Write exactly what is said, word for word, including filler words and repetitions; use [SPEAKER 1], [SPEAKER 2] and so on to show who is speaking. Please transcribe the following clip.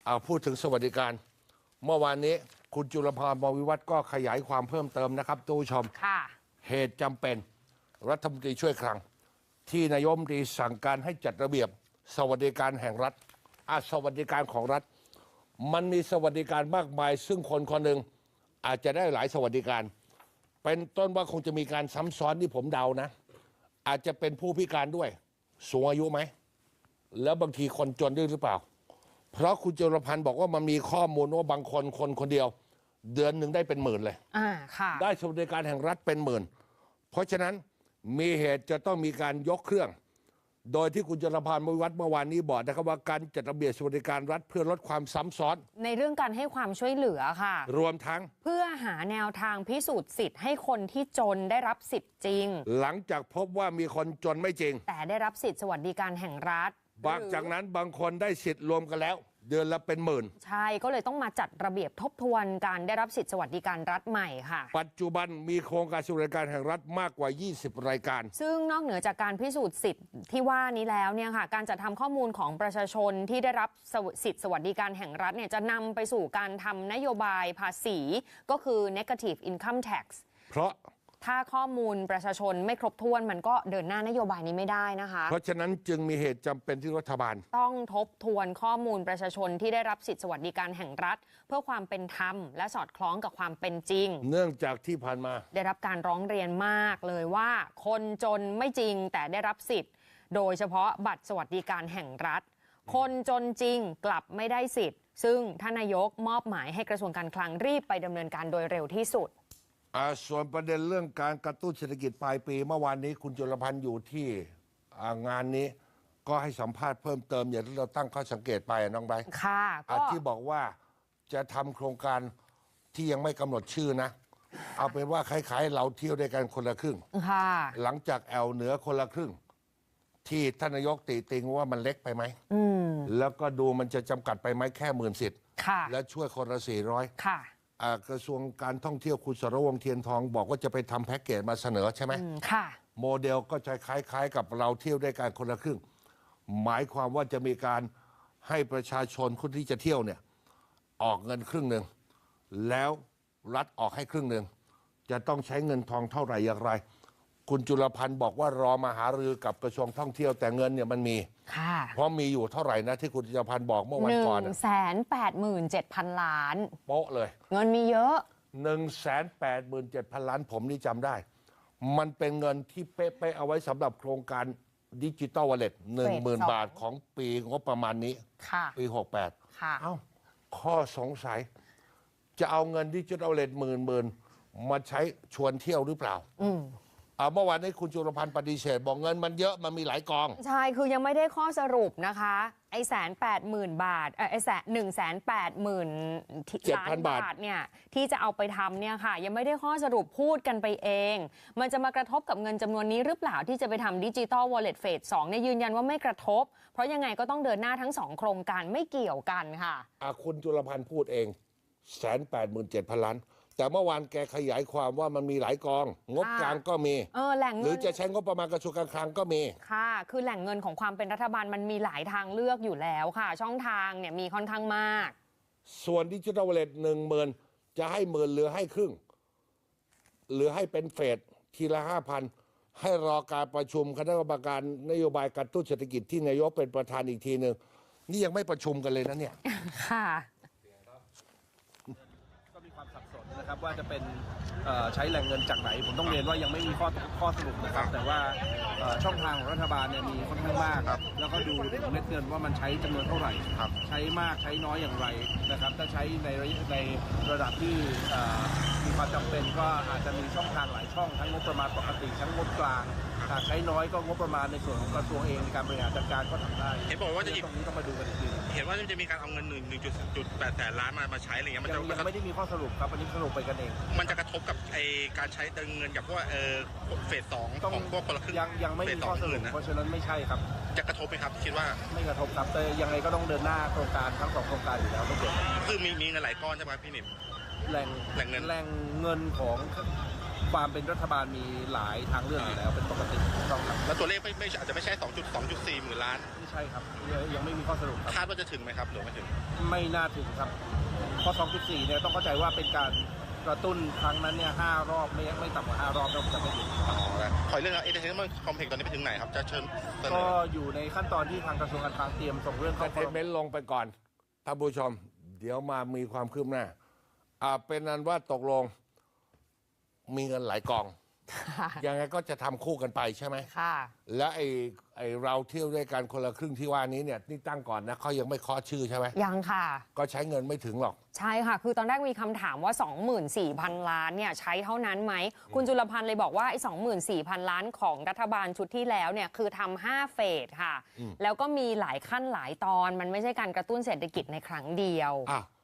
[SPEAKER 1] พูดถึงสวัสดิการเมื่อวานนี้คุณจุลภรณ์ มวิวัฒน์ก็ขยายความเพิ่มเติมนะครับทุกผู้ชมเหตุจำเป็นรัฐมนตรีช่วยคลังที่นายกรัฐมนตรีสั่งการให้จัดระเบียบสวัสดิการแห่งรัฐอาสวัสดิการของรัฐมันมีสวัสดิการมากมายซึ่งคนคนหนึ่งอาจจะได้หลายสวัสดิการเป็นต้นว่าคงจะมีการซ้ำซ้อนที่ผมเดานะอาจจะเป็นผู้พิการด้วยสูงอายุไหมแล้วบางทีคนจนด้วยหรือเปล่าเพราะคุณจุลพันธ์บอกว่ามันมีข้อมูลว่าบางคนคนคนเดียวเดือนหนึ่งได้เป็นหมื่นเลย
[SPEAKER 2] อ่าค่ะ
[SPEAKER 1] ได้สวัสดิการแห่งรัฐเป็นหมื่นเพราะฉะนั้นมีเหตุจะต้องมีการยกเครื่องโดยที่คุณจุลพันธ์ มวิวัฒน์เมื่อวานนี้บอกนะครับว่าการจัดระเบียบสวัสดิการรัฐเพื่อลดความซ้ำซ้อน
[SPEAKER 2] ในเรื่องการให้ความช่วยเหลือค่ะ
[SPEAKER 1] รวมทั้ง
[SPEAKER 2] เพื่อหาแนวทางพิสูจน์สิทธิ์ให้คนที่จนได้รับสิทธิ์จริง
[SPEAKER 1] หลังจากพบว่ามีคนจนไม่จริง
[SPEAKER 2] แต่ได้รับสิทธิ์สวัสดิการแห่งรัฐ
[SPEAKER 1] บางจากนั้นบางคนได้สิทธิ์รวมกันแล้วเดือนละเป็นหมื่น
[SPEAKER 2] ใช่ก็เลยต้องมาจัดระเบียบทบทวนการได้รับสิทธิสวัสดิการรัฐใหม่ค่ะ
[SPEAKER 1] ปัจจุบันมีโครงการสวัสดิการแห่งรัฐมากกว่ายี่สิบรายการ
[SPEAKER 2] ซึ่งนอกเหนือจากการพิสูจน์สิทธิ์ที่ว่านี้แล้วเนี่ยค่ะการจัดทำข้อมูลของประชาชนที่ได้รับสิทธิสวัสดิการแห่งรัฐเนี่ยจะนำไปสู่การทำนโยบายภาษีก็คือ negative income tax
[SPEAKER 1] เพราะ
[SPEAKER 2] ถ้าข้อมูลประชาชนไม่ครบถ้วนมันก็เดินหน้านโยบายนี้ไม่ได้นะคะ
[SPEAKER 1] เพราะฉะนั้นจึงมีเหตุจำเป็นที่รัฐบาล
[SPEAKER 2] ต้องทบทวนข้อมูลประชาชนที่ได้รับสิทธิสวัสดิการแห่งรัฐเพื่อความเป็นธรรมและสอดคล้องกับความเป็นจริง
[SPEAKER 1] เนื่องจากที่ผ่านมา
[SPEAKER 2] ได้รับการร้องเรียนมากเลยว่าคนจนไม่จริงแต่ได้รับสิทธิ์โดยเฉพาะบัตรสวัสดิการแห่งรัฐคนจนจริงกลับไม่ได้สิทธิ์ซึ่งท่านนายกมอบหมายให้กระทรวงการคลังรีบไปดำเนินการโดยเร็วที่สุด
[SPEAKER 1] ส่วนประเด็นเรื่องการกระตุ้นเศรษฐกิจปลายปีเมื่อวานนี้คุณจุลพันธ์อยู่ที่งานนี้ก็ให้สัมภาษณ์เพิ่มเติมอย่างที่เราตั้งข้อสังเกตไปน้องใบ
[SPEAKER 2] ค่ะ
[SPEAKER 1] ที่บอกว่าจะทำโครงการที่ยังไม่กำหนดชื่อนะเอาเป็นว่าคล้ายๆเราเที่ยวด้วยกันคนละครึ่งหลังจากแอลเหนือคนละครึ่งที่ท่านนายกติติงว่ามันเล็กไปไหมแล้วก็ดูมันจะจำกัดไปไหมแค่หมื่นสิทธิ์และช่วยคนละสี่ร้อยกระทรวงการท่องเที่ยวคุณสรวงศ์เทียนทองบอกว่าจะไปทำแพ็กเกจมาเสนอใช่ไหม
[SPEAKER 2] ค่ะ
[SPEAKER 1] โมเดลก็จะคล้ายๆกับเราเที่ยวด้วยกันคนละครึ่งหมายความว่าจะมีการให้ประชาชนคนที่จะเที่ยวเนี่ยออกเงินครึ่งหนึ่งแล้วรัฐออกให้ครึ่งหนึ่งจะต้องใช้เงินทองเท่าไหร่อย่างไรคุณจุลพันธ์บอกว่ารอมาหารือกับกระทรวงท่องเที่ยวแต่เงินเนี่ยมันมีเพราะมีอยู่เท่าไหร่นะที่คุณจุลพันธ์บอกเมื่อวันก่อน
[SPEAKER 2] หนึ่งแสนแปดหมื่นเจ็ดพันล้าน
[SPEAKER 1] โป๊ะเลย
[SPEAKER 2] เงินมีเยอะ
[SPEAKER 1] หนึ่งแสนแปดหมื่นเจ็ดพันล้านผมนี่จำได้มันเป็นเงินที่เป๊ะๆเอาไว้สำหรับโครงการดิจิตอลวอลเล็ตหนึ่งหมื่นบาทของปีงบประมาณนี้ปีหกแปดเอ้าข้อสงสัยจะเอาเงินดิจิตอลวอลเล็ตหมื่นหมื่นมาใช้ชวนเที่ยวหรือเปล่า
[SPEAKER 2] อืม
[SPEAKER 1] เมื่อวานนี้คุณจุลพันธ์ปฏิเสธบอกเงินมันเยอะมันมีหลายกอง
[SPEAKER 2] ใช่คือยังไม่ได้ข้อสรุปนะคะไอ้แสนแปดหมื่นบาทไอ้แสนหนึ่งแสนแปดหมื่นล้านบาทเนี่ยที่จะเอาไปทำเนี่ยค่ะยังไม่ได้ข้อสรุปพูดกันไปเองมันจะมากระทบกับเงินจำนวนนี้หรือเปล่าที่จะไปทำดิจิตอลวอลเล็ตเฟสสองเนี่ยยืนยันว่าไม่กระทบเพราะยังไงก็ต้องเดินหน้าทั้งสองโครงการไม่เกี่ยวกันค่ะ
[SPEAKER 1] คุณจุลพันธ์พูดเองแสนแปดหมื่นเจ็ดพันล้านแต่เมื่อวานแกขยายความว่ามันมีหลายกองงบกลางก็มี
[SPEAKER 2] เออแหล่งเงิน
[SPEAKER 1] หรือจะใช้งบประมาณกระทรวงการคลังก็มี
[SPEAKER 2] ค่ะคือแหล่งเงินของความเป็นรัฐบาลมันมีหลายทางเลือกอยู่แล้วค่ะช่องทางเนี่ยมีค่อนข้างมาก
[SPEAKER 1] ส่วนดิจิทัลวอลเล็ตหนึ่งหมื่นจะให้หมื่นหรือให้ครึ่งหรือให้เป็นเฟสทีละห้าพันให้รอการประชุมคณะกรรมการนโยบายกระตุ้นเศรษฐกิจที่นายกเป็นประธานอีกทีหนึ่งนี่ยังไม่ประชุมกันเลยนะเนี่ย
[SPEAKER 2] ค่ะ
[SPEAKER 3] มีความสับสนนะครับว่าจะเป็นใช้แหล่งเงินจากไหนผมต้องเรียนว่ายังไม่มีข้อข้อสรุปนะครับแต่ว่าช่องทางของรัฐบาลเนี่ยมีค่อนข้างมากแล้วก็ดูเม็ดเงินว่ามันใช้จำนวนเท่าไหร่ใช้มากใช้น้อยอย่างไรนะครับถ้าใช้ในในระดับที่มีความจำเป็นก็อาจจะมีช่องทางหลายช่องทั้งงบประมาณปกติทั้งงบกลางหากใช้น้อยก็งบประมาณในส่วนของกระทรวงเองในการบริหารจัดการก็ทำได้
[SPEAKER 4] เห็นบอกว่าจะ
[SPEAKER 3] ตรงนี้ต้องมาดูกันอีกที
[SPEAKER 4] เห็นว่าจะมีการเอาเงินหนึ่งหนึ่งจุดแปดแสนล้านมามาใช้อะไรเงี้ยมันจะ
[SPEAKER 3] ยังไม่ได้มีข้อสรุปครับอันนี้สรุปไปกันเอง
[SPEAKER 4] มันจะกระทบกับไอการใช้เงินกับพวกเออเฟสสองของพวกคนละครึ่ง
[SPEAKER 3] ยังยังไม่มีข้อสรุปเพราะฉะนั้นไม่ใช่ครับ
[SPEAKER 4] จะกระทบไหมครับคิดว่า
[SPEAKER 3] ไม่กระทบครับแต่ยังไงก็ต้องเดินหน้าโครงการทั้งสองโครงการอยู่แล้วต้องเดิน
[SPEAKER 4] คือมีมีเงินหลายก้อนใช่ไหมพี่หนิม
[SPEAKER 3] แหล่ง
[SPEAKER 4] แหล่งเงิน
[SPEAKER 3] แหล่งเงินของความเป็นรัฐบาลมีหลายทางเลือกอยู่แล้วเป็นปกติต้องครับ
[SPEAKER 4] แล้วตัวเลขไม่ไม่อาจจะไม่ใช่ 2.2.4 หมื่นล้าน
[SPEAKER 3] ไม่ใช่ครับยังไม่มีข้อสรุปครับ
[SPEAKER 4] คาดว่าจะถึงไหมครับหรือไม่ถึง
[SPEAKER 3] ไม่น่าถึงครับเพราะ สองจุดสี่ เนี่ยต้องเข้าใจว่าเป็นการกระตุ้นครั้งนั้นเนี่ยห้ารอบไม่ไม่ต่ำกว่าห้ารอบต้องจะไม่ถึง
[SPEAKER 4] อ๋อแล้วขอเรื่องเอเจนต์คอมเพล็กซ์ตอนนี้ไปถึงไหนครับจะเชิญเสน
[SPEAKER 3] ก็
[SPEAKER 4] อ
[SPEAKER 3] อยู่ในขั้นตอนที่ทางกระทรวงการคลังเตรียมส่งเรื่อง
[SPEAKER 1] เอ
[SPEAKER 3] เข้า
[SPEAKER 1] เทเมนต์ลงไปก่อนท่านผู้ชม เดี๋ยวมามีความคืบหน้าอ่าเป็นนั้นว่าตกลงมีเงินหลายกอง ยังไงก็จะทำคู่กันไปใช่ไหม
[SPEAKER 2] ค่ะ
[SPEAKER 1] และไอ้ไอ้เราเที่ยวด้วยกันคนละครึ่งที่ว่านี้เนี่ยนี่ตั้งก่อนนะเขายังไม่เคาะชื่อใช่ไหม
[SPEAKER 2] ยังค่ะ
[SPEAKER 1] ก็ใช้เงินไม่ถึงหรอก
[SPEAKER 2] ใช่ค่ะ คือตอนแรกมีคำถามว่า สองหมื่นสี่พัน ล้านเนี่ยใช้เท่านั้นไหม คุณจุลพันธ์เลยบอกว่าไอ้ สองหมื่นสี่พัน ล้านของรัฐบาลชุดที่แล้วเนี่ยคือทำห้าเฟสค่ะ แล้วก็มีหลายขั้นหลายตอน มันไม่ใช่การกระตุ้นเศรษฐกิจในครั้งเดียว
[SPEAKER 1] อ้าว